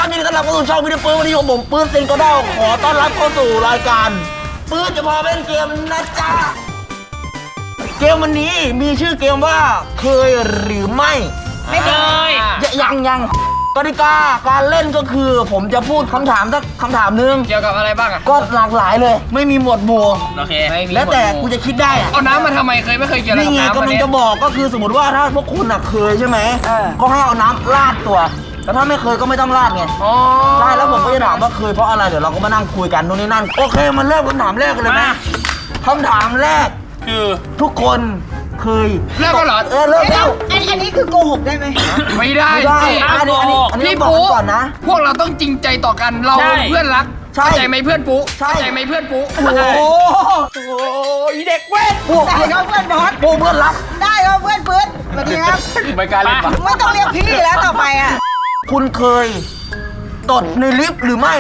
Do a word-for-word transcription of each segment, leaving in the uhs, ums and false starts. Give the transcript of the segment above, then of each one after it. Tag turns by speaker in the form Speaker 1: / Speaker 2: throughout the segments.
Speaker 1: ครับยินดีต้อนรับเข้าสู่ช่องวิดีโอปื้ดวันนี้ผมปื้ดเซนก็ได้ขอต้อนรับเข้าสู่รายการปื้ดจะพาเล่นเกมนะจ๊ะเกมวันนี้มีชื่อเกมว่าเคยหรือไม่ไม่เคยยังยังกติกาการเล่นก็คือผมจะพูดคำถามสักคำถามนึง
Speaker 2: เกี่ยวกับอะไรบ้างอ่ะ
Speaker 1: ก็หลากหลายเลยไม่มีหมวดหมู่
Speaker 2: โอเค
Speaker 1: แล้วแต่กูจะคิดได้
Speaker 2: เอาน้ำมาทำไมเคยไม่เคยเกี่ยวกับน้ำนี่ไง
Speaker 1: กำลังจะบอกก็คือสมมติว่าถ้าพวกคุณเคยใช่ไหมก็ให้เอาน้ำราดตัวแต่ถ้าไม่เคยก็ไม่ต้องราดไงใช่แล้วผมก็จะถามว่าเคยเพราะอะไรเดี๋ยวเราก็มานั่งคุยกันนู่นนี่นั่นโอเคมันเริ่มคำถามแรกกันเลยนะคำถามแรกคือทุกคนเคย
Speaker 2: เลิกกันเหรอ
Speaker 1: เออเลิกแล้ว
Speaker 3: อันนี้คือโกหกได้ไหม
Speaker 2: ไม่ได้
Speaker 1: สิอันนี้อันนี้อันนี้บอกก่อนนะ
Speaker 2: พวกเราต้องจริงใจต่อกันเราเพื่อนรักเข้าใจไหมเพื่อนปุ๊เข้าใจไหมเพื่อนปุ๊
Speaker 1: โอ้โหอีเด็กเว้ย
Speaker 3: ได้ครับเพื่อนบอส
Speaker 1: ปูเพื่อนรัก
Speaker 3: ได้ครับเพื่อนปื๊ดสวัสดีครับ
Speaker 2: ไม่กล้าเล่นปะ
Speaker 3: ไม่ต้องเรียกพี่แล้วต่อไปอ่ะ
Speaker 1: คุณเคยตดในลิฟต์หรือไม่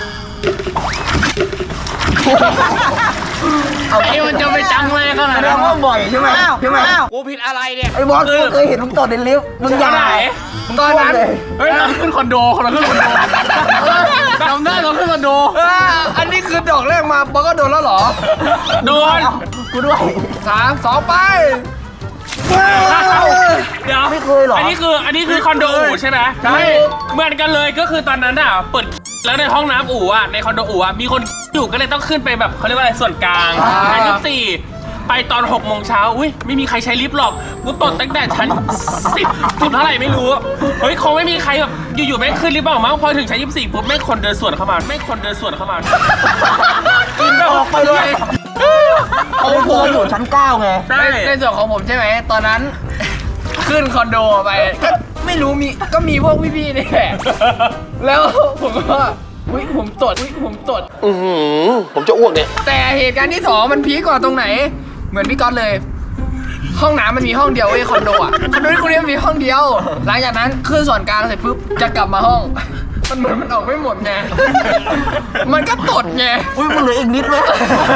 Speaker 2: ไอ้มันจะไปจังเลยขนาด
Speaker 1: นั้นว่าบ่อยใช่ไหมใช่ไหม
Speaker 2: กูผิดอะไรเนี่ย
Speaker 1: ไอ้บอสกูเคยเห็นมึงตดในลิฟต์มึงยังไง
Speaker 2: ตอนนั้นเฮ้ยเราขึ้นคอนโดเราขึ้นคอนโดจำได้เราขึ้นคอนโดอันนี้คือดอกแรกมาบอสก็โดนแล้วเหรอโดน
Speaker 1: กูด้วย
Speaker 2: สามสองไป
Speaker 4: เดี๋ยว
Speaker 1: ไม่เคยหรอ
Speaker 4: อันนี้คืออันนี้คือคอนโดอู่ใช่ไหม
Speaker 2: ใช่
Speaker 4: เหมือนกันเลยก็คือตอนนั้นอ่ะเปิดแล้วในห้องน้ำอู่อ่ะในคอนโดอู่อ่ะมีคนอยู่ก็เลยต้องขึ้นไปแบบเขาเรียกว่าอะไรส่วนกลางชั้นยี่สิบสี่ไปตอนหกโมงเช้าอุ้ยไม่มีใครใช้ลิฟต์หรอกกูตดตั้งแต่ชั้นสิบสุดเท่าไหร่ไม่รู้เฮ้ยคงไม่มีใครแบบอยู่ๆไม่ขึ้นลิฟต์หรอกมั้งพอถึงชั้นยี่สิบสี่ปุ๊บไม่คนเดินสวนเข้ามาไม่คนเดินสวนเข้ามา
Speaker 1: กินออกไปเลยเขาโผล่อยู่ชั้นเก้าไง
Speaker 2: ใช่ในส่วนของผมใช่ไหมตอนนั้นขึ้นคอนโดไปก็ไม่รู้มีก็มีพวกพี่ๆนี่แหละแล้วผมก็อุ้ยผมตดอุ้ยผมตด
Speaker 1: อือหือผมจะอ้วกเนี่ย
Speaker 2: แต่เหตุการณ์ที่สองมันพีคกว่าตรงไหนเหมือนพี่ก๊อตเลยห้องน้ำมันมีห้องเดียวไอ้คอนโดอ่ะคอนโดที่คุณเรียกมีห้องเดียวหลังจากนั้นขึ้นส่วนกลางเสร็จปุ๊บจะกลับมาห้องมันเหมือนมันออกไม่หมดไงมันก็ตดไง
Speaker 1: อุ้ยมันเหลืออีกนิดเลย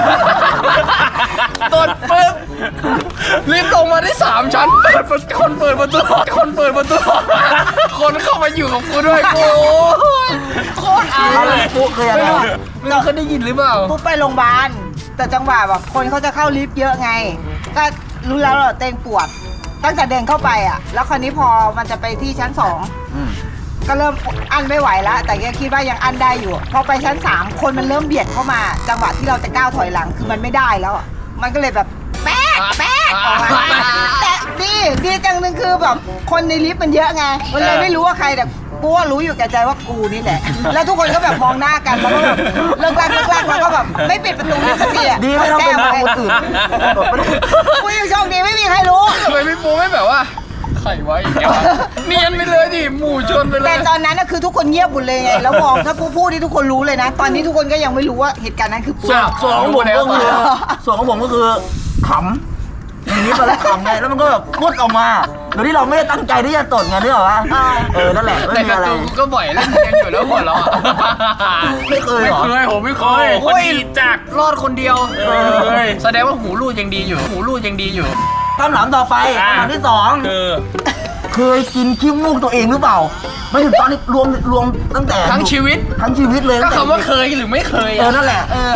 Speaker 2: ตดปุ๊บรีบลงมาได้สามชั้นเปิดคนเปิดประตูคนเปิดประตูคนเข้ามาอยู่กับกูด้วยกูโคตรอายเลย
Speaker 1: ปุ๊บเคยอะไร
Speaker 2: ไม่รู้เคยได้ยินหรือเปล่า
Speaker 3: ปุ๊บไปโรงพยาบาลแต่จังหวะแบบคนเขาจะเข้าลิฟต์เยอะไงก็รู้แล้วเหรอเต้นปวดตั้งแต่เดินเข้าไปอ่ะแล้วคราวนี้พอมันจะไปที่ชั้นสองก็เริ่มอั้นไม่ไหวแล้วแต่ก็คิดว่ายังอั้นได้อยู่พอไปชั้นสามคนมันเริ่มเบียดเข้ามาจังหวะที่เราจะก้าวถอยหลังคือมันไม่ได้แล้วมันก็เลยแบบแป๊กแป๊กออกมาแต่ดีดีจังนึงคือแบบคนในลิฟต์มันเยอะไงมันเลยไม่รู้ว่าใครแต่กูว่ารู้อยู่แก่ใจว่ากูนี่แหละแล้วทุกคนก็แบบมองหน้ากันแล้วก็แบบเลิกลากเลิกลากแล้วก็แบบไม่ปิดประตูลิฟต์สักทีอ่ะ
Speaker 1: ดีไม่ต้องเป็นคนอื่น
Speaker 3: กูยังโชคดีไม่มีใครรู้
Speaker 2: ทำไมพี่ปูไม่แบบว่าใครไว้เนียนไปเลยดิหมู่ชนไปเลย
Speaker 3: แต่ตอนนั้นคือทุกคนเงียบหมดเลยไงแล้วมองถ้าพูดที่ทุกคนรู้เลยนะตอนนี้ทุกคนก็ยังไม่รู้ว่าเหตุการณ์นั้นคือปู
Speaker 1: ส่วนของผมก็คือส่วนของผมก็คือขำอย่างนี้ตอนแรกขำไงแล้วมันก็แบบพูดออกมาโดยที่เราไม่ได้ตั้งใจที่จะตดไงนึกออกปะเออนั่นแหละไม่มีอะไร
Speaker 2: ก็บ่อยเล่นกันอยู่แล้วหัวเราะ
Speaker 1: ไม่เคยหรอ
Speaker 4: ไม่เคยผมไม่เคยคนดีจัด
Speaker 2: รอดคนเดียวแสดงว่าหูรูดยังดีอยู่หูรูดยังดีอยู่
Speaker 1: คำถามต่อไปคำถามที่สอง
Speaker 4: คือ
Speaker 1: เคยกินขี้มูกตัวเองหรือเปล่าไม่ถึงตอนนี้รวมรวมตั้งแต่
Speaker 2: ทั้งชีวิต
Speaker 1: ทั้งชีวิตเลย
Speaker 2: ก็คำว่าเคยหรือไม่เคย
Speaker 1: เออนั่นแหละเออ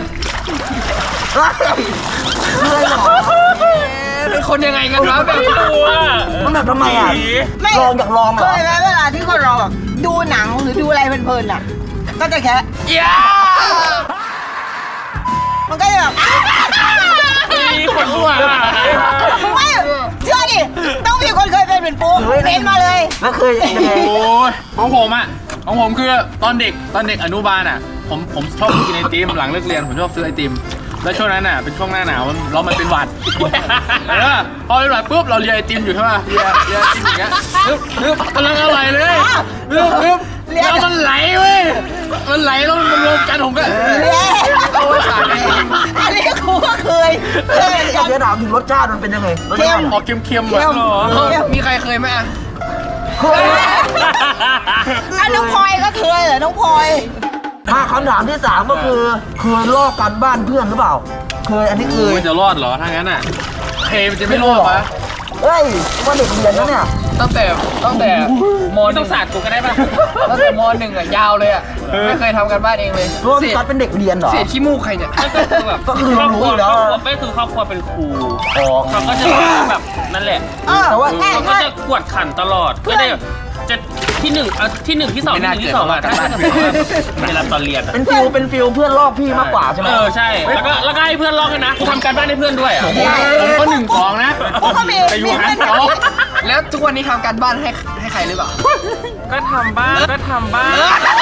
Speaker 1: เคยหรอ
Speaker 2: เป็นคนยังไงกันวะแบบ
Speaker 4: ตัว
Speaker 1: มันแบบทำไมอ่ะลองอยากลองเหรอ
Speaker 3: เคยไหมเวลาที่คนเราแบบดูหนังหรือดูอะไรเพลินๆอ่ะก็จะแค่
Speaker 2: ยา
Speaker 3: มันก็จะแบบ
Speaker 4: มีคนอ้วน
Speaker 3: ไม่เชื่อดิต้องมีคนเคยเป็นเป็นปูเป็นมาเลย
Speaker 1: แล้วเคยยังไง
Speaker 4: โอ้ยของผมอ่ะของผมคือตอนเด็กตอนเด็กอนุบาลอ่ะผมผมชอบกินไอติมหลังเลิกเรียนผมชอบซื้อไอติมแล้วช่วงนั้นอ่ะเป็นช่วงหน้าหนาวแล้วมันเป็นหวัดเออพอเป็นหวัดปุ๊บเราเลียไอติมอยู่ใช่ป่ะเลียเลียไอติมอย่างเงี้ยปึ๊บปึ๊บกำลังอร่อยเลยปึ๊บปึ๊บแล้วมันไหลเว้ยมันไหลแล้วมันรวมกันผมก็โอ้ยสาร
Speaker 3: อันนี้กูก็เคยเคย
Speaker 1: อยากจะถามถึงรสชาติมันเป็นยังไง
Speaker 2: เค็มออกเค็มๆแบบมีใครเคยไหมอ่ะ
Speaker 3: เคยอ่ะน้องพลอยก็เคยเหรอน้องพลอย
Speaker 1: มาคำถามที่สามก็คือเคยลอกกันบ้านเพื่อนหรือเปล่าเคยอันนี้เคย
Speaker 4: จะรอดเหรอถ้างั้นอ่ะเคมันจะไม่รอดปะ
Speaker 1: เฮ้ยว่าเด็กเรียนนะเนี่ย
Speaker 2: ตั้งแต่ตั้งแต่ม
Speaker 4: ไม่
Speaker 2: ห
Speaker 4: ต้
Speaker 2: นึ่
Speaker 4: อง
Speaker 2: ง
Speaker 4: สาดกูก็ได้ป่ะ
Speaker 2: ตั้งแต่มหนึ่งอ่ะยาวเลยอ่ะไม่เคยทำกันบ้านเองเลย
Speaker 1: รู้ว่า
Speaker 2: เศ
Speaker 1: พี่
Speaker 2: ษ
Speaker 1: ก๊อตเป็นเด็กเรียนเหรอ
Speaker 2: เศษขี้มูกใครเนี่ย
Speaker 4: ก็คือแบบ
Speaker 1: ก็คือเรารู้อยู่แล้ว
Speaker 4: ครอบครัวไม่คือครอบครัวเป็นครู
Speaker 1: อ๋อ
Speaker 4: เขาก็จะแบบนั่นแหละ
Speaker 3: เออ
Speaker 1: แต่ว่า
Speaker 3: ใช่
Speaker 4: เขาก็
Speaker 3: ใช่
Speaker 4: จะกวดขันตลอดก็ได้แบบจะที่หนึ่งอ่ะที่หนึ่งที่สองที่หนึ่งที่สองอ่ะถ้าถ้าเกิดว่าเวลาตอนเรียนอะ
Speaker 1: เป็นฟิลเป็นฟิลเพื่อนลอกพี่มากกว่าใช่ไหม
Speaker 4: เออใช่แล้วก็แล้วก็ให้เพื่อนลอกด้วยนะกูทำการบ้านให้เพื่อนด้วยอ่ะผมก็หนึ่งสองนะ
Speaker 3: พวกก็มี
Speaker 4: แต่อยู่
Speaker 3: มี
Speaker 4: หา
Speaker 3: เพื่อน
Speaker 4: สอง
Speaker 2: แล้วทุกวันนี้ทำการบ้านให้ให้ใครหรือเปล่า
Speaker 4: ก็ทำบ้างก็ทำบ้าง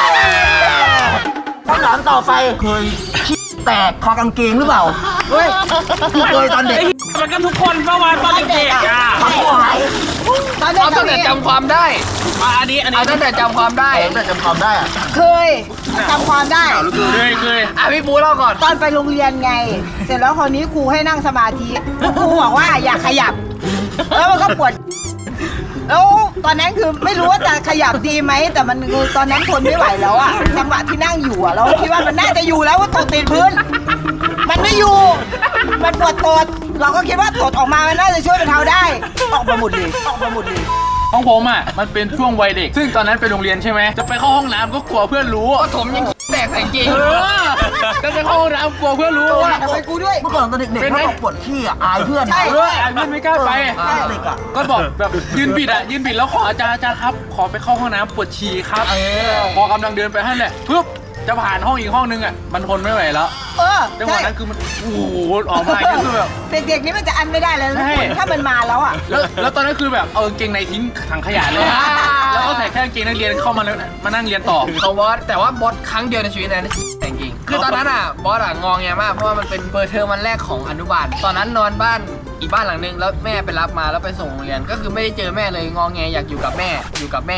Speaker 1: คำถามต่อไปเคยขี้แตกคอกางเกงหรือเปล่าเฮ้ยเคยตอนเด็ก
Speaker 4: มันก็ทุกคนเมื่อวานตอนเด็กๆอ่ะ
Speaker 1: ทำหาย
Speaker 3: ตอนเด็ก
Speaker 2: เอาตั้งแต่จำความได้
Speaker 4: อ่ะอันนี้อันนี้
Speaker 2: เอาตั้งแต่จำความได้
Speaker 1: แต่จำความได้อะ
Speaker 3: เคยจำความได้
Speaker 4: เคยเคย
Speaker 2: อ่ะพี่ปูเล่าก่อน
Speaker 3: ตอนไปโรงเรียนไง เสร็จแล้วคราวนี้ครูให้นั่งสมาธิครูบอกว่าอย่าขยับ แล้วมันก็ปวด แล้วตอนนั้นคือไม่รู้ว่าจะขยับดีไหม แต่มันคือตอนนั้นทนไม่ไหวแล้วอะจังหวะที่นั่งอยู่อะเราคิดว่ามันน่าจะอยู่แล้วว่าตดติดพื้น มันไม่อยู่ มันปวดตด เราก็คิดว่าตดออกมามันน่าจะช่วยบรรเทาได้ ออกมาหมดเลยออกมาหมดเลย
Speaker 4: ของผมอ่ะมันเป็นช่วงวัยเด็ก ซึ่งตอนนั้นไปโรงเรียนใช่ไหมจะไปเข้าห้องน้ำก็กลัวเพื่อนรู้
Speaker 2: ปฐมยังแตกใส่กางเกง
Speaker 4: เออก็จะเข้าห้องน้ำกลัวเพื่อนรู้ว่า
Speaker 3: ทำไมกูด้วย
Speaker 1: เมื่อก่อนตอนเด็ก
Speaker 4: เป็
Speaker 1: ๆ
Speaker 4: นไหม
Speaker 1: ถ้าบอกปวดขี้อ่ะอายเพื่อน
Speaker 3: ใช่
Speaker 4: เออไอ้เพื่อนไม่กล้าไป
Speaker 1: ตอนเด็กอ่ะ
Speaker 4: ก็บอกแบบยืนบิดอ่ะยืนบิดแล้วขออาจารย์อาจารย์ครับ ขอไปเข้าห้องน้ำปวดฉี่ครับพอกำลังเดินไปให้แหละปึ๊บจะผ่านห้องอีกห้องนึงอ่ะมันทนไม่ไหวแล้ว
Speaker 3: เออ
Speaker 4: จังหวะ
Speaker 3: ใช่
Speaker 4: นั้นคือมันโอ้โหออกมาอย่างนี้คือแบบ
Speaker 3: เด็กๆนี่มันจะอันไม่ได้เลยนะ
Speaker 4: ใช่
Speaker 3: คุณถ้ามันมาแล้วอ่ะ
Speaker 4: แล้วแล้วตอนนั้นคือแบบเอากางเกงในทิ้งถังขยะเลยอะแล้วก็ใส่แค่กางเกงนักเรียนเข้ามาแล้วมานั่งเรียนต่อ
Speaker 2: ของบอสแต่ว่าบอสครั้งเดียวในชีวิตนะแต่งจริงคือตอนนั้นอ่ะบอสอ่ะงองแงมากเพราะว่ามันเป็นเปิดเทอมวันแรกของอนุบาลตอนนั้นนอนบ้านอีกบ้านหลังนึงแล้วแม่ไปรับมาแล้วไปส่งโรงเรียนก็คือไม่ได้เจอแม่เลยงองแงอยากอยู่กับแม่อยู่กับแม่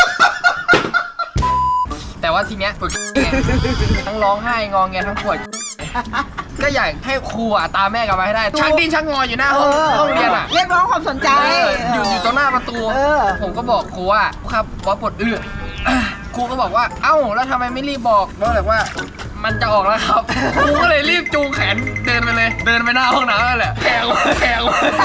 Speaker 2: แต่ว่าทีเนี้ยปวดทั้งร้องไห้งองแงทั้งปวดก็อยากให้ครูอ่ะตามแม่กลับมาให้ได้ชักดิ้นชักงออยู่หน้าห้องห้องเรียนอ่ะ
Speaker 3: เรียกร้องความสนใจ
Speaker 2: เอออยู่อยู่ตรงหน้าประตู
Speaker 3: เออ
Speaker 2: ผมก็บอกครูว่าครูครับบอสปวดเอือกครูก็บอกว่าเอ้าแล้วทำไมไม่รีบบอกบอสบอกว่ามันจะออกแล้วครับครูก็เลยรีบจูงแขนเดินไปเลย เดินไปหน้าห้องน้ำนั่นแหละแขงแขง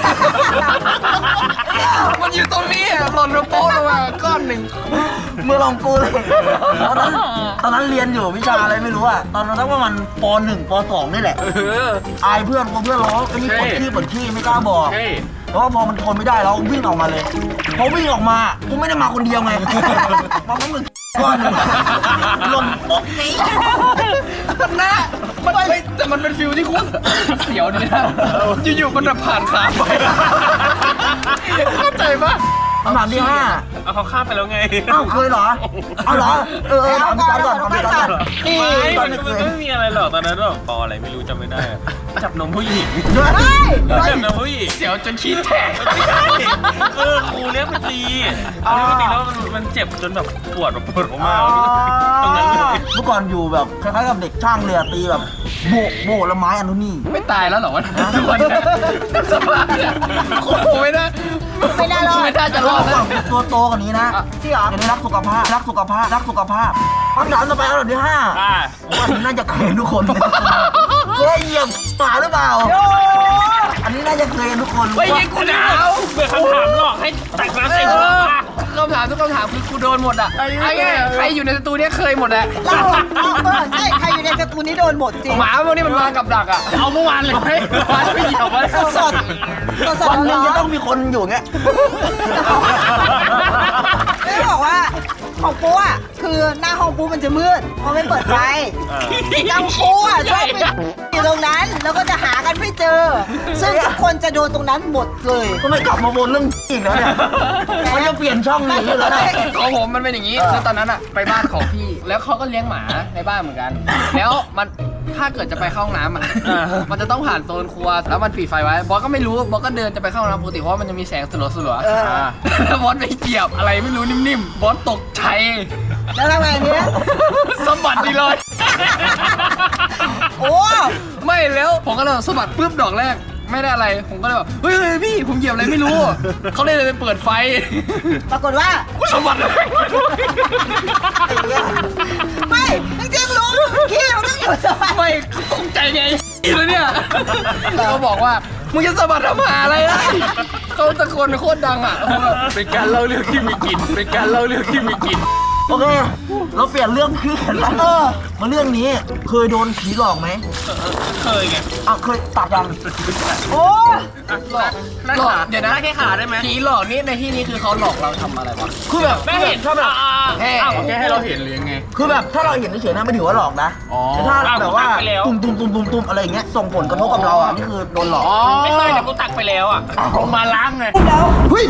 Speaker 2: มันอยู่ตรงนี้อ่ะหล่นลงโป๊ะลงมาก้อนหนึ่ง
Speaker 1: เมื่อลองกูเลยตอนนั้นตอนนั้นเรียนอยู่วิชาอะไรไม่รู้อ่ะตอนนั้นสักประมาณปหนึ่งปสองนี่แหละ
Speaker 4: เออ
Speaker 1: อายเพื่อนกลัวเพื่อนร้องไอ้นี่ปวดขี้ปวดขี้ไม่กล้าบอก
Speaker 4: ใช่
Speaker 1: เพราะว่าพอมันทนไม่ได้แล้ววิ่งออกมาเลยพอวิ่งออกมากูไม่ได้มาคนเดียวไงมาพร้อมมึงก้อนหนึ่งหล่นโป๊ะนี้
Speaker 2: มันน่ามันเฮ้ยแต่มันเป็นฟิลที่คุ้นเสียวดีนะอยู่ๆมันแบบผ่านขาไปเข้าใจปะ
Speaker 1: คำถามที่ห้า
Speaker 4: เอาเขาข้ามไปแล้วไง
Speaker 1: อ้าวเคยเหรอเอาเหรอเออเออถามพี่ก๊อตก่อนถามพี่ก๊อตก่อน
Speaker 3: นี่
Speaker 4: ไม่
Speaker 1: ตอ
Speaker 4: มัน น
Speaker 1: เด็ก
Speaker 4: มัน
Speaker 1: เลย
Speaker 4: ไม่มีอะไรหรอกตอนนั้นแบบปออะไรไม่รู้จำไม่ได้อะจับนมผู้หญิง
Speaker 3: เฮ้ย
Speaker 4: จับนมผู้หญิง
Speaker 2: เสียวจนขี้แตก
Speaker 4: เออครูเรียกไปตีเอาเรียกไปตีแล้วมันมันเจ็บจนแบบปวดแบบปวดออกมาตรงนั้นเลย
Speaker 1: เมื่อก่อนอยู่แบบคล้ายๆกับเด็กช่างเรือตีแบบโบกโบกแล้วไม้อันนู้นนี่
Speaker 2: ไม่ตายแล้วเหรอวะทุกวันนี้สภาพเนี่ยโอ้โหไม่ได้
Speaker 3: ไม่ได้หรอก
Speaker 2: ไม่ได้จะร
Speaker 1: แล้
Speaker 2: อ
Speaker 1: ว
Speaker 2: ด
Speaker 1: ก่
Speaker 2: นะ
Speaker 1: อนตัวโตกว่านี้นะ
Speaker 3: จริงเหรอ
Speaker 1: จะได้รักสุขภาพรักสุขภาพรักสุขภาพคำถามต่อไปอันดับที่ห้า
Speaker 4: อ่า
Speaker 1: ว่าน่าจะเคยทุกคนเคยเหยียบหมาหรือเปล่า
Speaker 3: โอ้
Speaker 1: อันนี้น่าจะเคยทุกคน
Speaker 2: ไม่ยิงกูหนาว
Speaker 4: เบื่อคำถามหรอกให้ตักน้ำใส่หัวมา
Speaker 2: คำถามทุกคำถามคือกูโดนหมดอ่ะไอ้เงี้ยใครอยู่ในสตูเนี้ยเคยหมดแหละ
Speaker 3: เราเราเออใช่ใครอยู่ในสตูนี้โดนหมดจริง
Speaker 2: หมาพวกนี้มันวางกับดักอ่ะ
Speaker 4: เอาเมื่อวานเลยไหมเมื่อวานไม่เหยียบวะ
Speaker 3: สดสดสดสด
Speaker 1: วันหนึง
Speaker 3: ร้อ
Speaker 1: จะ
Speaker 3: น
Speaker 1: ต้องมีคนอยู่เงี้ย
Speaker 3: ไม่ได้บอกว่าของปูอ่ะคือหน้าห้องปูมันจะมืดเพราะไม่เปิดไฟกังปูอ่ะชอบไปอยู่ตรงนั้นแล้วก็จะหากันไม่เจอ ซึ่งทุกคนจะโดนตรงนั้นหมดเลย
Speaker 1: ก็ไม่กลับมาวนเรื่องอีกแล้วเนี่ยเขาจะเปลี่ยนช่องหนีอยู่แล้วนะ
Speaker 2: ของผมมันเป็นอย่างนี้คือตอนนั้นอ่ะไปบ้านของพี่ แล้วเขาก็เลี้ยงหมาในบ้านเหมือนกัน แล้วมันถ้าเกิดจะไปเข้าห้องน้ำอ่ะมันจะต้องผ่านโซนครัวแล้วมันปิดไฟไว้บอสก็ไม่รู้บอสก็เดินจะไปเข้าห้องน้ำปกติเพราะว่ามันจะมีแสงสลัวสลัว
Speaker 3: เออ
Speaker 2: แล้วบอสไปเหยียบอะไรไม่รู้นิ่มๆบอสตกใจ
Speaker 3: แล้วทำไงเนี้ย
Speaker 2: สะบัดดีเลย
Speaker 3: โอ้
Speaker 2: ไม่แล้วผมก็เลยสะบัดปุ๊บดอกแรกไม่ได้อะไรผมก็เลยแบบเฮ้ยเฮ้ยพี่ผมเหยียบอะไรไม่รู้เขาเลยเลยไปเปิดไฟ
Speaker 3: ปรากฏว่า
Speaker 2: กูสะบัดเลย
Speaker 3: ไม่จริงๆรู้ขี้มันต้องอยู่สบาย
Speaker 2: ไม่ตกใจไงแล้วเนี่ยเขาบอกว่ามึงจะสะบัดทำหาอะไรล่ะเขาตะโกนโคตรดังอ่ะ
Speaker 4: เป็นการเล่าเรื่องที่มีกลิ่นเป็นการเล่าเรื่องที่มีกลิ่น
Speaker 1: โอเค เราเปลี่ยนเรื่องขึ้นแล้วมาเรื่องนี้เคยโดนผีหลอกไหม
Speaker 4: เคยไง
Speaker 1: อ่ะเคยตัดยัง
Speaker 3: โอ้
Speaker 2: หลอกหลอกเดี๋ยวนะ
Speaker 4: ได้แค่ขาได้ไหม
Speaker 2: ผีหลอกนี่ในที่นี้คือเขาหลอกเราทำอะไรวะ
Speaker 1: คือแบบ
Speaker 4: ไม่เห็น
Speaker 1: ถ้าแบบ
Speaker 2: แค่
Speaker 4: อ้าวแค่ให้เราเห็นหรือยังไง
Speaker 1: คือแบบถ้าเราเห็นเฉยๆนะไม่ถือว่าหลอกนะ
Speaker 4: อ๋อ
Speaker 1: แต่ถ้าแบบว่า
Speaker 4: อ้าวผมตัดไปแล้ว
Speaker 1: ตุ่มตุ่มตุ่มตุ่มตุ่มอะไรอย่างเงี้ยส่งผลกระทบกับเราอ่ะนี่คือโดนหลอก
Speaker 4: ไม่เคยแต่กูตักไปแล้วอ่ะลงมาล้างไง
Speaker 1: เฮ้ย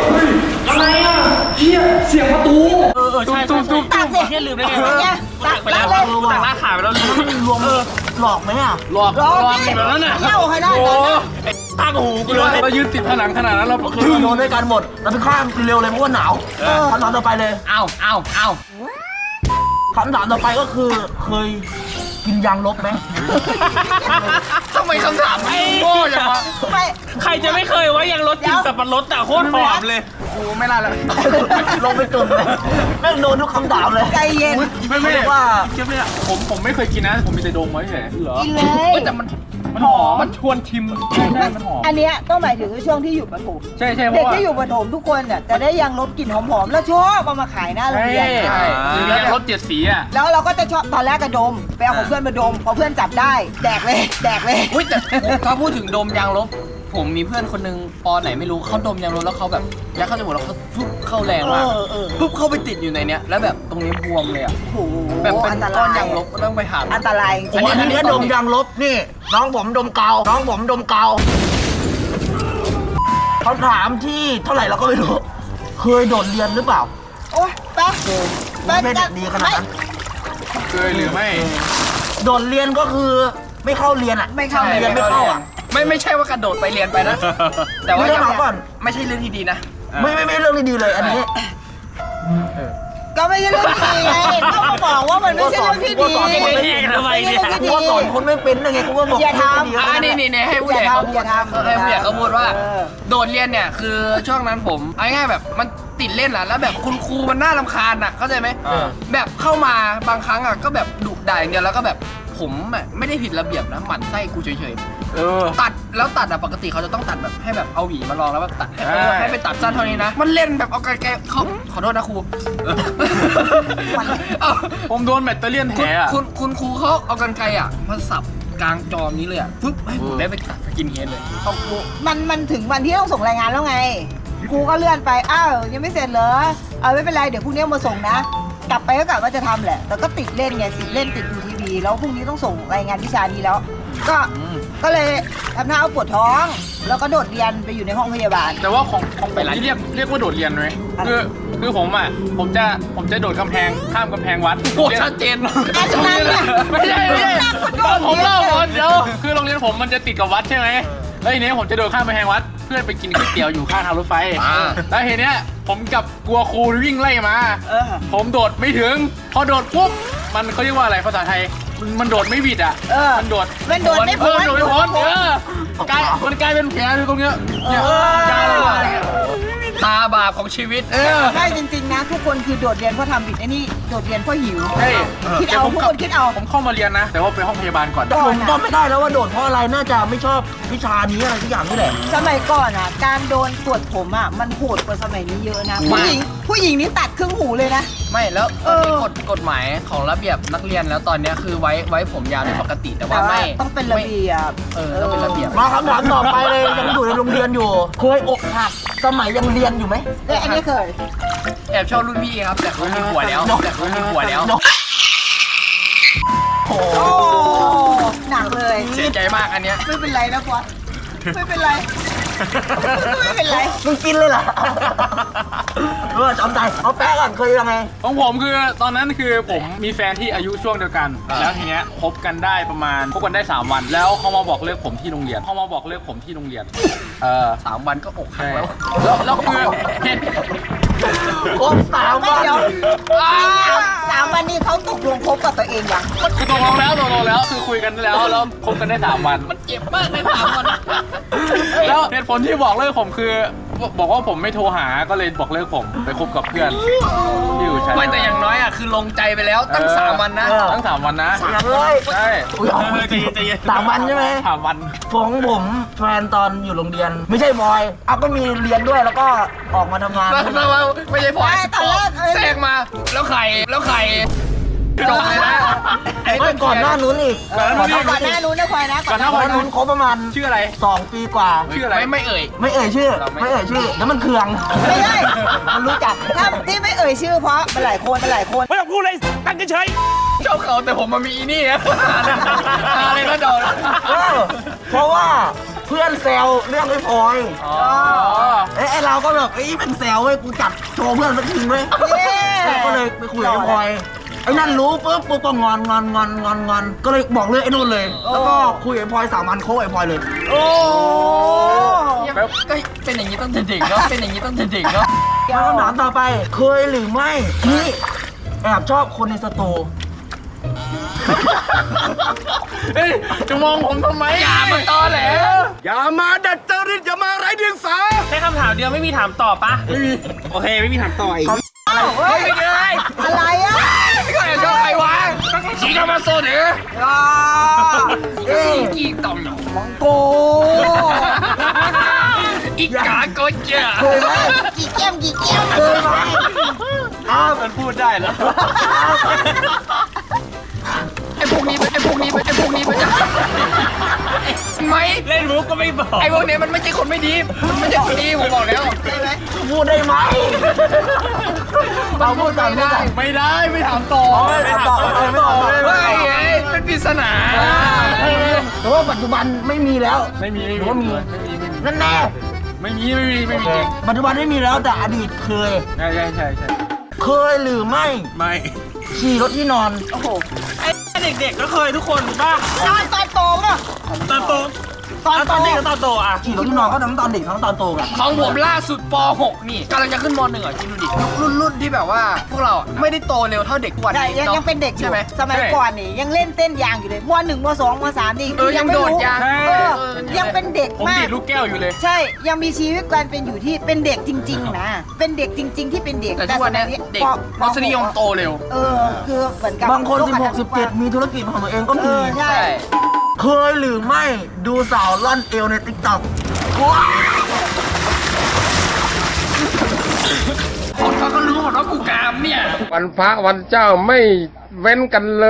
Speaker 4: เออเออใช่ตุ้มตุ้ม
Speaker 3: ตักสิ
Speaker 4: แค่ลืมได้ไง
Speaker 3: ตักไง
Speaker 4: ตักไปแล้ว
Speaker 3: ตักเลย
Speaker 4: ตักลากขาไปแล้วลืม
Speaker 1: มันรวมหลอกไหมอ่ะ
Speaker 4: หลอก
Speaker 3: ลอง
Speaker 4: หลอก
Speaker 3: ดิ
Speaker 4: แบบนั้นน่ะ
Speaker 3: เล่าให้ได้
Speaker 4: โอ้
Speaker 3: ก่อนนะ
Speaker 4: ตากหูกูเลยเรายืนติดผนังขนาดนั้นเรา
Speaker 1: คือโดนด้วยกันหมดเราไปข้ามเร็วเลยเพราะว่าหนาวคำถามต่อไปเลย
Speaker 2: เอ้าเอ้าเอ้า
Speaker 1: คำถามต่อไปก็คือเคยกินยางลบไหม
Speaker 2: ทำไมคำถามโง่จังวะ
Speaker 3: ไม่
Speaker 4: ใครจะไม่เคยว่ายังรถกินสับปะรดแต่โคตรหอมเลย
Speaker 2: กูไม่ล่าแล้ว
Speaker 1: ลงไปจุ่มเลยแม่งโดนทุกคำถามเลย
Speaker 3: ใจเย็น
Speaker 4: ไม่ไม่
Speaker 1: เรียกว่า
Speaker 4: เชื่อไหมอ่ะผมผมไม่เคยกินนะ ผมมีแต่ดมไว้เฉยเหรอ
Speaker 3: กินเลย
Speaker 2: เฮ้ยแต่มัน
Speaker 4: มันหอมมันชวนชิมใช่ใช่มันหอม
Speaker 3: อันเนี้ยต้องหมายถึงช่วงที่อยู่ประถม
Speaker 4: ใช่ใช่เพ
Speaker 3: เด็ก
Speaker 4: ราะว่า
Speaker 3: ที่อยู่ประถมทุกคนเนี่ยจะได้ยังลบกลิ่นหอมๆแล้วชอบเอามาขายหน้าโรงเรียน
Speaker 4: ใช่หรือยังรถเจ็ดสีอ่ะ
Speaker 3: แล้วเราก็จะชอบตอนแรกก็ดมไปเอาของเพื่อนมาดมพอเพื่อนจับได้แดกเลยแดกเลย
Speaker 2: อุ้ยแต่ถ้าพูดถึงดมยางลบ ผมมีเพื่อนคนนึงปอไหนไม่รู้เขาดมยางลบแล้วเขาแบบยัดเข้าจมูกแล้วเขาปุ๊บเข้าแรงมาก
Speaker 3: เออเออ
Speaker 2: ปุ๊บเข้าไปติดอยู่ในเนี้ยแล้วแบบตรงนี้บวมเลยอ่ะ
Speaker 3: โอ้โห
Speaker 2: แบบเป็น
Speaker 3: อันต
Speaker 2: ก้อ
Speaker 3: ราน ย
Speaker 2: ยางลบก็ต้องไปหา
Speaker 3: อันตรายจ
Speaker 1: ผ
Speaker 3: ริ
Speaker 1: ม
Speaker 3: ง
Speaker 1: อันนี้ก็ดมยางลบนี่ น้องผมดมกาวน้องผมดมกาวคำถามที่เท่าไหร่เราก็ไม่รู้ เคยโดดเรียนหรือเปล่า
Speaker 3: โอ้ยไป
Speaker 1: ไม่เด็กดีขนาดนั้น
Speaker 4: เคยหรือไม่
Speaker 1: โดดเรียนก็คือไม่เข้าเรียนอ่ะ
Speaker 3: ไม่เข้า
Speaker 1: เรียนไม่เข้าอ่ะ
Speaker 2: ไม่ไม่ใช่ว่ากระโดดไปเรียนไปนะ แต่ว่า
Speaker 1: ไม่ได้มาก่อน
Speaker 2: ไม่ใช่เรื่องที่ดีนะ
Speaker 1: ไม่ไม่ไม่เรื่องดีๆเลยอันนี้
Speaker 3: ก็ไม่ใช่เรื่องที่ดีไงต้องมาบอกว่ามันไม่ใช่เรื่องที่ดี
Speaker 1: กูสอนคนไม่เป็น
Speaker 4: ทำไมเนี่ย
Speaker 1: กูว่าสอนคนไม่เป็นยังไงกูก็บอก
Speaker 3: อย่าทำ
Speaker 1: ไม่ดี
Speaker 2: อ่านี่นี่นี่ให้ผู้ใหญ่เขาพูด
Speaker 3: อย่าทำ
Speaker 2: ให้ผู้ใหญ่เขาพูดว่า
Speaker 3: เออ
Speaker 2: โดดเรียนเนี่ยคือช่วงนั้นผมเอาง่ายๆแบบมันติดเล่นอะแล้วแบบคุณครูมันน่ารำคาญอะเข้าใจไหม
Speaker 4: อ่า
Speaker 2: แบบเข้ามาบางครั้งอะก็แบบดุด่าอย่างเดียวแล้วก็แบบผมอะไม่ได้ผิดระเบียบนะหมั่นไส้กูเฉย
Speaker 4: เออ
Speaker 2: ๆตัดแล้วตัดอะปกติเขาจะต้องตัดแบบให้แบบเอาหวีมาลองแล้วแบบตัดให้
Speaker 4: ใช่
Speaker 2: ให้ไปตัดสั้นเท่านี้นะมันเล่นแบบเอาไกลๆเขาขอโทษนะครู เอา
Speaker 4: ผมโดนแบตเตอรี่ยนแถ
Speaker 2: คุณ
Speaker 4: อ่ะ
Speaker 2: คุณคุณครูเขาเอากันไกลอะมาสับกลางจอนี้เลยอะปุ๊บให้ผมได้ไปตัดสกินเฮดเลย
Speaker 3: ของครูมันมันถึงวันที่ต้องส่งรายงานแล้วไงครูก็เลื่อนไปอ้าวยังไม่เสร็จเหรอเอาไม่เป็นไรเดี๋ยวพรุ่งนี้เอามาส่งนะ กลับไปก็กะว่าจะทำแหละแต่ก็ติดเล่นไงติดเล่นติดดูทีวีแล้วพรุ่งนี้ต้องส่งรายงานวิชานี้แล้ว ก็ก็เลยทำหน้าเอาปวดท้อง แล้วก็โดดเรียนไปอยู่ในห้องพยาบาล
Speaker 4: แต่ว่าของของผมนี่เรียกเรียกว่าโดดเรียนไหมคือคือผมอ่ะผมจะผมจะโดดกำแพงข้ามกำแพงวัด
Speaker 2: โอ้ชัดเจน
Speaker 3: อันนั้นน่ะ
Speaker 4: ไม่ใช่ไม่ใช่
Speaker 3: นักกระโดด
Speaker 4: ผมเล่าก่อนเดี๋ยวคือโรงเรียนผมมันจะติดกับวัดใช่ไหมแล้วทีนี้ผมจะโดดข้ามกำแพงวัด เพื่อไปกินก๋วยเตี๋ยวอยู่ข้างทางรถไฟ
Speaker 2: อ่า
Speaker 4: แล้วทีเนี้ยผมกับกลัวครูวิ่งไล่มา
Speaker 3: เออ
Speaker 4: ผมโดดไม่ถึง พอโดดปุ๊บมันเขาเรียกว่าอะไรภาษาไทย มันมันโดดไม่บิดอ่ะ
Speaker 3: เออ
Speaker 4: มันโดด
Speaker 3: มันโดดไม่
Speaker 4: เอ
Speaker 3: พ้
Speaker 4: อน โดดไม่พ้นเออกลายมันกลายเป็นแผลอยู่ตรงเนี้ยเนี่ยกลายเป็นอะไรเนี่ย
Speaker 2: ตาบาปของชีวิต
Speaker 4: เออ
Speaker 3: ใช่จริงๆนะ ทุกคนคือโดดเรียนเพราะทำผิดไอ้นี่โดดเรียนเพราะหิว
Speaker 4: ใช่
Speaker 3: คิดเอาทุกคนคิดเอา
Speaker 4: ผมเข้ามาเรียนนะ แต่ว่าไปห้องพยาบาลก่อน
Speaker 3: ก่
Speaker 1: ผ
Speaker 3: อน
Speaker 1: ม
Speaker 3: อะ
Speaker 1: จำไม่ได้แล้วว่าโดดเพราะอะไรน่าจะไม่ชอบวิชานี้อะไรทุกอย่างนี่แหละ
Speaker 3: สมัยก่อนอ่ะ การโดนตรวจผมอ่ะมันโหดกว่าสมัยนี้เยอะนะ
Speaker 2: มาก
Speaker 3: ผู้หญิงผู้หญิงนี่ตัดครึ่งหูเลยนะ
Speaker 2: ไม่แล้ว
Speaker 3: เอ
Speaker 2: มัน
Speaker 3: อ
Speaker 2: มีกฎกฎหมายของระเบียบนักเรียนแล้วตอนเนี้ยคือไว้ไว้ผมยาวเป็นปกติแต่
Speaker 3: แต่
Speaker 2: ว่า
Speaker 3: ว่า
Speaker 2: ไม่
Speaker 3: ต้องเป็นระเบียบ
Speaker 2: เออต้องเป็นระเบียบ
Speaker 1: มาคำถามต่อไปเลยยังอยู่ในโรงเรียนอยู่ เคยอกหักสมัยยังเรียนอยู่ไหม
Speaker 3: เอ้ยอันนี้เคย
Speaker 2: แอบชอบรุ่นพี่ครับแต่เขามีผัวแล้วแต่เขามีผัวแล้ว
Speaker 1: โอ้โห
Speaker 3: โอ้หนักเลย
Speaker 2: เสียใจมากอันเนี้ย
Speaker 3: ไม่เป็นไรนะพอดไม่เป็นไร ไม่เป็นไร
Speaker 1: มึงกินเลยเหรอเออจำใจเอาแป๊ะก่อนเคยยังไง
Speaker 4: ของผมคือตอนนั้นคือผมมีแฟนที่อายุช่วงเดียวกัน แล้วทีเนี้ยคบกันได้ประมาณคบกันได้สามวัน แล้วเขามาบอกเลิกผมที่โรงเรียนเขามาบอกเลิกผมที่โรงเรียน เออ
Speaker 2: สามวันก็อกหัก
Speaker 4: ใช่
Speaker 2: แล้ว
Speaker 4: แล้วแล้วคือเหตุ
Speaker 1: ครบสาม
Speaker 3: ไม่
Speaker 1: วัน
Speaker 3: เดี๋ยวสามสามวันนี้เขาตกลงคบกับตัวเองยัง
Speaker 4: คือตกลงแล้วตกลงแล้วคือคุยกันแล้วแล้วคบกันได้สามวัน
Speaker 2: มันเจ็บมากในสามวัน
Speaker 4: แล้วเหตุผลที่บอกเลิกผมคือบอกว่าผมไม่โทรหาก็เลยบอกเลิกผมไปคบกับเพื่อนที่อยู่ชั้น
Speaker 2: ไม่แต่อย่างน้อยอ่ะคือลงใจไปแล้วตั้งสามวันนะ
Speaker 1: เออ
Speaker 4: ตั้งสามวันนะ
Speaker 1: สามเลย
Speaker 4: ใช่
Speaker 1: อุ้ยเอา
Speaker 4: เออใจเย็นใจเย็น
Speaker 1: สามวันใช่ไหม
Speaker 4: สามวัน
Speaker 1: ของผมแฟนตอนอยู่โรงเรียน ไม่ใช่บอยอ่ะก็มีเรียนด้วยแล้วก็ออกมาทำงาน
Speaker 2: แล้วแล้วแล้วไม่ใช่พลอย
Speaker 3: ไม่ตอนแรกเอ้ย
Speaker 2: แทรกมาแล้วใครแล้วใครจบเลยนะ
Speaker 1: ไม่ก่อนหน้านู้นอีก
Speaker 4: ก่อนหน้านู้น
Speaker 3: ก่อนหน้านู้นนะพลอยนะ
Speaker 4: ก่อนหน้า
Speaker 1: ก่อนหน้านู้นคบประมาณ
Speaker 4: ชื่ออะไร
Speaker 1: สองปีกว่า
Speaker 4: ชื่ออะไร
Speaker 2: ไม่ไม่เอ่ย
Speaker 1: ไม่เอ่ยชื่อ
Speaker 2: เราไม่
Speaker 1: ไม่เอ่ยชื่อแล้วมันเคือง
Speaker 3: ไม่ใช่
Speaker 1: มันรู้จัก
Speaker 3: ถ้าที่ไม่เอ่ยชื่อเพราะเป็นหลายคนเป็นหลายคน
Speaker 4: ไม่ต้องพูดเลยตั้งเฉย
Speaker 2: ชอบเขาแต่ผมมามีอีนี่อะอะไรก็โดน
Speaker 1: เออเพราะว่าเพื่อนแซวเรื่องไอ้พลอย
Speaker 2: อ๋อ
Speaker 1: เอ้ยไอ้เราก็แบบเอ้ยเป็นแซวเว้ยกูจัดโชว์เพื่อนสักทีเว้ย
Speaker 3: เย้
Speaker 1: ก็เลยไปคุยกับไอ้พลอยไอ้นั่นรู้ปุ๊บปุ๊บก็งอนงอนงอนงอนงอนก็เลยบอกเลยไอ้นู่นเลย แล้วก็คุยกับไอ้พลอยสามวันโค้ชไอ้พลอยเลย
Speaker 3: โอ้
Speaker 2: ก็เป็นอย่างนี้ตั้งแต่เด็กเนาะเป็นอย่างนี้ตั้งแต่เด็กเนาะ
Speaker 1: มาคำถามต่อไปเคยหรือไม่ที่แอบชอบคนในสตู
Speaker 4: เฮ้ยจะมองผมทำไม
Speaker 2: อย่ามาตอแหล
Speaker 4: อย่ามาดัดจริตอย่ามาไร้เดียงสา
Speaker 5: แค่คำถามเดียวไม่มีถามต่อปะ
Speaker 4: ไม่มี
Speaker 5: โอเค ไม่มีถามต่ออีก
Speaker 3: เฮ้ย
Speaker 2: ไม่เลย
Speaker 3: อะไรอ่ะ
Speaker 2: ก็แอบชอบใครวะชีกามาโซเดอ
Speaker 3: อ่า
Speaker 2: เอ้ยกีต่อมหนอ
Speaker 3: มังโก
Speaker 2: อีกาโกเจอ
Speaker 1: เคยไหม
Speaker 3: กี่แก้มกี่แก้ม
Speaker 1: เคยไหมอ้าว
Speaker 4: มันพูดได้แล้ว
Speaker 2: ไอ้พวกนี้ไอ้พวกนี้ไอ้พวกนี้มันจะไม่
Speaker 5: เล่นมุกก็ไม่บอก
Speaker 2: ไอ้พวกนี้มันไม่ใช่คนไม่ดีมันไม่ใช่คนดีผมบอกแล้ว
Speaker 3: ใช่ไหม
Speaker 1: พูดได้ไหมเราพูดกันพูดกัน
Speaker 4: ไม่ได้ไม่ถามต่อ
Speaker 1: ไม่ตอบไม่ตอบไม่ตอบ
Speaker 2: เฮ้ยไงเป็นปริศนา
Speaker 1: แต่ว่าปัจจุบันไม่มีแล้ว
Speaker 4: ไม่มีไม่
Speaker 1: หรือว่ามี
Speaker 4: มีไม่มีไม่มี
Speaker 1: นั่นแน่
Speaker 4: ไม่มีไม่มีไม่มีจริง
Speaker 1: ปัจจุบันไม่มีแล้วแต่อดีตเคย
Speaker 4: ใช่ใช่ใช่ใช่
Speaker 1: เคยหรือไม่
Speaker 5: ไม่
Speaker 1: ขี่รถที่นอน
Speaker 3: โอ้โห
Speaker 5: ไอ้เด็กๆก็เคยทุกคนป่ะ
Speaker 3: ตอนตอนโตป่ะ
Speaker 5: ตอนโต
Speaker 3: ตอน
Speaker 5: แล้ว
Speaker 3: โต
Speaker 5: ตอนเด็กกับตอนโตอ่ะ
Speaker 1: ขี่รถที่นอนก็ทั้งตอนเด็กทั้งตอนโตกัน
Speaker 2: ของผมล่าสุดป หก นี่กำลังจะขึ้นม หนึ่งอ่ะคิดดูดิรุ่นรุ่นที่แบบว่าพวกเราอะไม่ได้โตเร็วเท่าเด็กกว่า
Speaker 3: ใช่
Speaker 2: นี้
Speaker 3: ยัง
Speaker 2: อะ
Speaker 3: ยังเป็นเด็กอยู่
Speaker 2: ใช่ไหม
Speaker 3: สมัยก่อนนี่ยังเล่นเต้นยางอยู่เลยมหนึ่งมสองมสามนี่
Speaker 2: เออยังโดดยาง
Speaker 3: เออยังเป็นเด็ก
Speaker 4: ผม
Speaker 3: มา
Speaker 4: ดี
Speaker 3: ก
Speaker 4: ดลูกแก้วอยู่เลย
Speaker 3: ใช่ยังมีชีวิตการเป็นอยู่ที่เป็นเด็กจริง ๆ นะ เป็นเด็กจริง ๆ ที่เป็นเด็ก
Speaker 2: แต่ทุกวันเนี้ย
Speaker 3: สมัย
Speaker 2: เด็ก
Speaker 3: ป
Speaker 2: รสนิยมโตเร็ว
Speaker 3: เออคือเหมือนกับบ
Speaker 1: างคน สิบหก สิบเจ็ด มีธุรกิจของตัวเองก็
Speaker 3: เอ
Speaker 1: มี
Speaker 3: อใช่
Speaker 2: ใช่
Speaker 1: เคยหรือไม่ดูสาวล่อนเอวในติ๊กต็อก
Speaker 2: คนเขาก็รู้หมดว่ากูกามเนี่ย
Speaker 6: วันพระวันเจ้าไม่เว้นกันเลย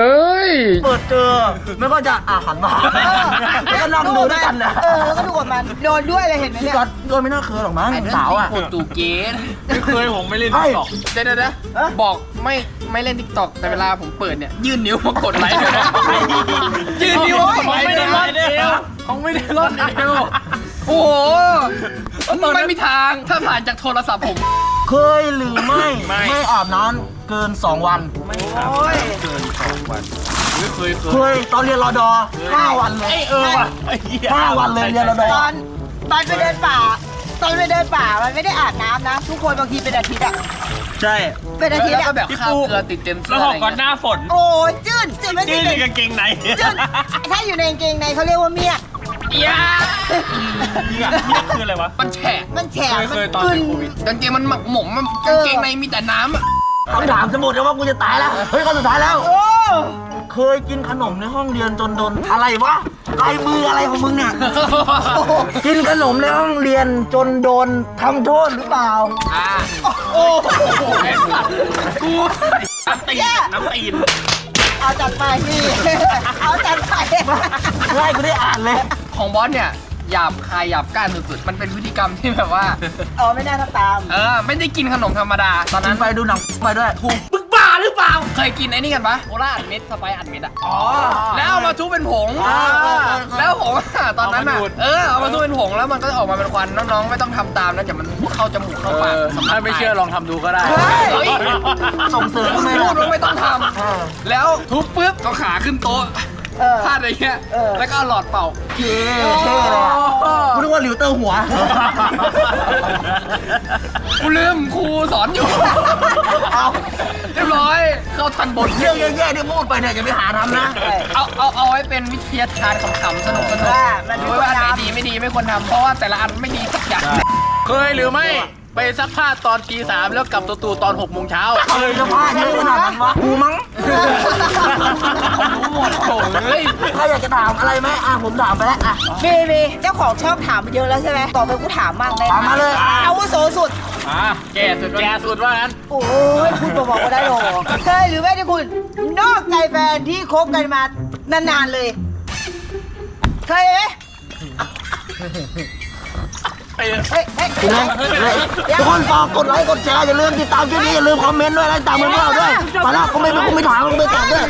Speaker 1: เปิดเจอไม่ก็จะอ่าหันมาแล้วก็นั่งดูด้วยกันนะ
Speaker 3: เออแล้วก็ดูกับมันโดนด้วยเลยเห็นไหม
Speaker 1: พี่
Speaker 3: เนี่ย
Speaker 1: ก๊อตโดนไม่น่าเคยหรอกมั้ง
Speaker 2: ไอ้เรื่อง
Speaker 1: สาวอ่ะ
Speaker 2: ที่คนตูเกต
Speaker 4: ไม่เคยผมไม่เล่น
Speaker 1: ไอ้
Speaker 4: ติ๊กต็อก
Speaker 2: เดี๋ยวเดี๋ยวเดี๋ยวบอกไม่ไม่เล่นทิกตอกแต่เวลาผมเปิดเนี่ยยื่นนิ้วมากดไลค์ด้วยนะยื่นนิ้วมากดไลค์ด้วยนะ
Speaker 4: เขาไม่ได้รอดเอว
Speaker 2: โอ้โหไม่มีทางถ้าผ่านจากโทรศัพท์ผม
Speaker 1: เคยหรือไม่ไม่อาบน้ำเกินสองวัน
Speaker 3: โอ้ย
Speaker 4: เกินสองวันไม่เคยเค
Speaker 1: เค
Speaker 4: ย
Speaker 1: ยตอนเรียนรอดอห้าวันเลย
Speaker 5: เออว่ะไอ้เหี้ย
Speaker 1: ห้าวันเลยเรียนรอดอ
Speaker 3: ตอนตอนไปเดินป่า ตอนไปเดินป่ามันไม่ได้อาบน้ำนะ ทุกคนบางทีเป็นอาทิตย์อะ
Speaker 5: ใช่
Speaker 3: เป็นอาทิต
Speaker 2: แล้ว
Speaker 3: ย์
Speaker 2: ก็
Speaker 3: อะ
Speaker 2: แบบข้าวเกลือติดเต็มเสื้
Speaker 5: แล้
Speaker 2: อ
Speaker 5: วห
Speaker 2: อะ
Speaker 5: อก
Speaker 2: ไร
Speaker 5: ก่อนห
Speaker 2: เงี้ย
Speaker 5: น้าฝน
Speaker 3: โอ้ยจืดจืดไม่
Speaker 5: ยื
Speaker 3: ใช่
Speaker 5: นในกางเกงใน
Speaker 3: จืดถ้าอยู่ในกางเกงในเขาเรียกว่าเมียก
Speaker 2: เอีย
Speaker 5: เนี่ยเนี่ยคืออะไรวะ
Speaker 2: มันแฉะ
Speaker 3: มันแฉะ
Speaker 4: เคย
Speaker 3: มัน
Speaker 4: เคยตอน
Speaker 3: ขึ้น
Speaker 4: เป็นโควิด
Speaker 2: กางเกงมันหมักหมมมันกางเกงในมีแต่น้ำอะ
Speaker 1: คำถามจะหมดแล้วว่ากูจะตายแล้ว เฮ้ยคนสุดท้ายแล้ว
Speaker 3: โอ้
Speaker 1: เคยกินขนมในห้องเรียนจนโดนอะไรวะลายมืออะไรของมึงเนี่ย กินขนมในห้องเรียนจนโดนทำโทษหรือเปล่า
Speaker 2: อ่า
Speaker 3: โอ้
Speaker 2: กู
Speaker 5: น้ำตีนน้ำตีน
Speaker 3: เอาจัดไปพี่เอาจัดไป
Speaker 1: ไล่กูได้อ่านเลย
Speaker 2: ของบอสเนี่ยหยาบคายหยาบก้านสุดๆมันเป็นพฤติกรรมที่แบบว่า
Speaker 3: เออไม่น่าทำตาม
Speaker 2: เออไม่ได้กินขนมธรรมดา ตอน
Speaker 1: นั้
Speaker 2: นั้น น
Speaker 1: ไปดูหนังไปด้วย
Speaker 2: ถูกมึงบ้าหรือเปล่า เคยกินไอ้นี่กันปะโอล่าอัดเม็ดสไปซ์อัดเม็ดอะอ๋อแล้วเอามาทุบเป็นผง
Speaker 1: อ่า
Speaker 2: แล้วผงอะตอนนั้นอะ
Speaker 4: เอามาดูด
Speaker 2: เออเอามาทุบเป็นผงแล้วมันก็ออกมาเป็นควันน้องๆไม่ต้องทำตามนะเดี๋ยวมันเข้าจมูกเข้า
Speaker 4: เอ
Speaker 2: ปาก
Speaker 4: อถ้าไม่เชื่อลองทำดูก็ได้
Speaker 2: เฮ้ย
Speaker 1: ส่งเสริมทำไม
Speaker 2: พู
Speaker 1: ล่ะ
Speaker 2: ดว่าไม่ต้องท
Speaker 1: เออ
Speaker 2: ำแล้วทุบปุ๊บก็ขาขึ้นโต๊ะ
Speaker 3: เออ
Speaker 2: พลาดอะไรเงี้ย
Speaker 3: เออ
Speaker 2: แล้วก็เอาหลอดเป่า
Speaker 1: เท่เท่เลยอะกูนึกว่าหลิวเตอร์หัว
Speaker 2: กูลืมครูสอนอยู่
Speaker 1: เอา
Speaker 2: เรียบร้อยเข้าทันบท
Speaker 1: เรื่องแย่ๆที่พูดไปเนี่ยอย่าไปหาทำนะ
Speaker 2: เอาเอาเอาไว้เป็นวิทยาทานขำๆสนุกสนุก
Speaker 3: ว่ามันไม่ควร
Speaker 2: ว่าอันไหน
Speaker 3: ทำ
Speaker 2: ดีไม่ดีไม่ควรทำเพราะว่าแต่ละอันไม่ดีสักอย่าง
Speaker 1: เค
Speaker 4: เคยหรือไม่ไปซักผ้าตอนตีสามแล้วกลับตัวตูตอนหกโมงเช้า
Speaker 1: เคยจะพลาดเยอะขนาดนั้นวะกูมั้ง
Speaker 4: รู้หมดโถ่เฮ้ย
Speaker 1: ถ้าอยากจะถามอะไรไหมอ่ะผมถามไปแล้วอ่ะ
Speaker 3: มีมีเจ้าของชอบถามเยอะแล้วใช่ไหมต่อไปกูถามมั่งได้ไห
Speaker 1: ถามมาเลย
Speaker 3: อาวุโสสุด
Speaker 4: อ่ะแกสุดแกสุดว่างั้น
Speaker 3: โอ้ยพูดบอกๆก็ได้หรอเคยหรือไม่ที่คุณนอกใจแฟนที่คบกันมานานๆเลย เคยไหม
Speaker 4: ไปเลย
Speaker 3: เฮ้ยเฮ้ย
Speaker 1: ทุกคนทุกคนฝากกดไลค์กดแชร์อย่าลืมติดตามคลิปนี้อย่าลืมคอมเมนต์ด้วยและติดตามเพื่อนๆเราด้วยไปแล้วก็ไม่ไม่ไม่ถามก็ไม่ตอบด้วย